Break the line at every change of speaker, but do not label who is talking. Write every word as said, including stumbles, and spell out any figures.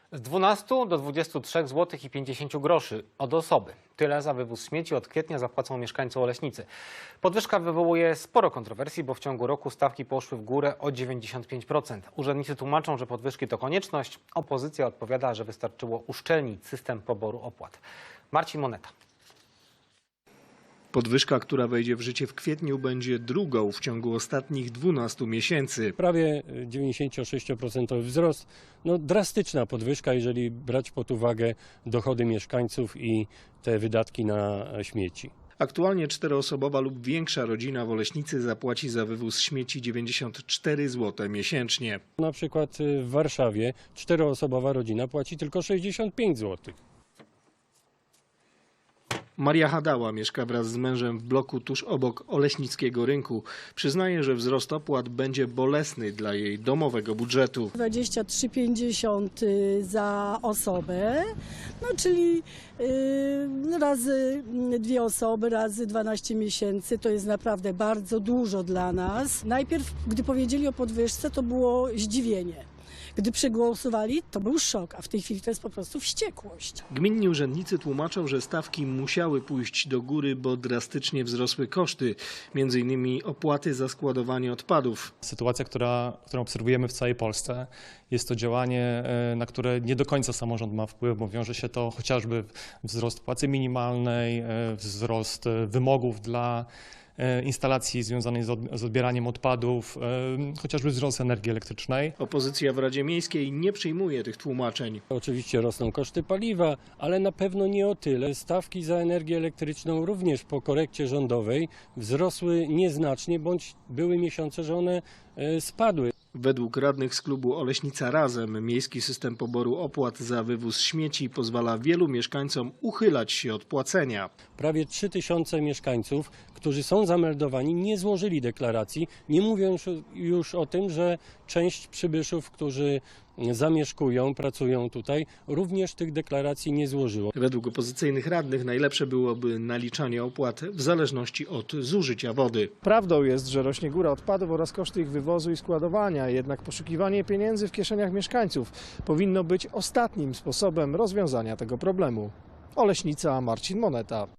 Z dwunastu do dwudziestu trzech złotych i pięćdziesięciu groszy od osoby. Tyle za wywóz śmieci od kwietnia zapłacą mieszkańcy Oleśnicy. Podwyżka wywołuje sporo kontrowersji, bo w ciągu roku stawki poszły w górę o dziewięćdziesiąt pięć procent. Urzędnicy tłumaczą, że podwyżki to konieczność. Opozycja odpowiada, że wystarczyło uszczelnić system poboru opłat. Marcin Moneta.
Podwyżka, która wejdzie w życie w kwietniu, będzie drugą w ciągu ostatnich dwunastu miesięcy.
Prawie dziewięćdziesięciosześcioprocentowy wzrost. No, drastyczna podwyżka, jeżeli brać pod uwagę dochody mieszkańców i te wydatki na śmieci.
Aktualnie czteroosobowa lub większa rodzina w Oleśnicy zapłaci za wywóz śmieci dziewięćdziesiąt cztery złote miesięcznie.
Na przykład w Warszawie czteroosobowa rodzina płaci tylko sześćdziesiąt pięć złotych.
Maria Hadała mieszka wraz z mężem w bloku tuż obok Oleśnickiego Rynku. Przyznaje, że wzrost opłat będzie bolesny dla jej domowego budżetu.
dwadzieścia trzy pięćdziesiąt za osobę, no czyli yy, razy dwie osoby, razy dwanaście miesięcy, to jest naprawdę bardzo dużo dla nas. Najpierw, gdy powiedzieli o podwyżce, to było zdziwienie. Gdy przegłosowali, to był szok, a w tej chwili to jest po prostu wściekłość.
Gminni urzędnicy tłumaczą, że stawki musiały pójść do góry, bo drastycznie wzrosły koszty, między innymi opłaty za składowanie odpadów.
Sytuacja, która, którą obserwujemy w całej Polsce, jest to działanie, na które nie do końca samorząd ma wpływ, bo wiąże się to chociażby wzrost płacy minimalnej, wzrost wymogów dla instalacji związanej z odbieraniem odpadów, chociażby wzrost energii elektrycznej.
Opozycja w Radzie Miejskiej nie przyjmuje tych tłumaczeń.
Oczywiście rosną koszty paliwa, ale na pewno nie o tyle. Stawki za energię elektryczną również po korekcie rządowej wzrosły nieznacznie, bądź były miesiące, że one spadły.
Według radnych z klubu Oleśnica Razem miejski system poboru opłat za wywóz śmieci pozwala wielu mieszkańcom uchylać się od płacenia.
Prawie trzy tysiące mieszkańców, którzy są zameldowani, nie złożyli deklaracji, nie mówiąc już o tym, że część przybyszów, którzy zamieszkują, pracują tutaj, również tych deklaracji nie złożyło.
Według opozycyjnych radnych najlepsze byłoby naliczanie opłat w zależności od zużycia wody.
Prawdą jest, że rośnie góra odpadów oraz koszty ich wywozu i składowania, jednak poszukiwanie pieniędzy w kieszeniach mieszkańców powinno być ostatnim sposobem rozwiązania tego problemu. Oleśnica, Marcin Moneta.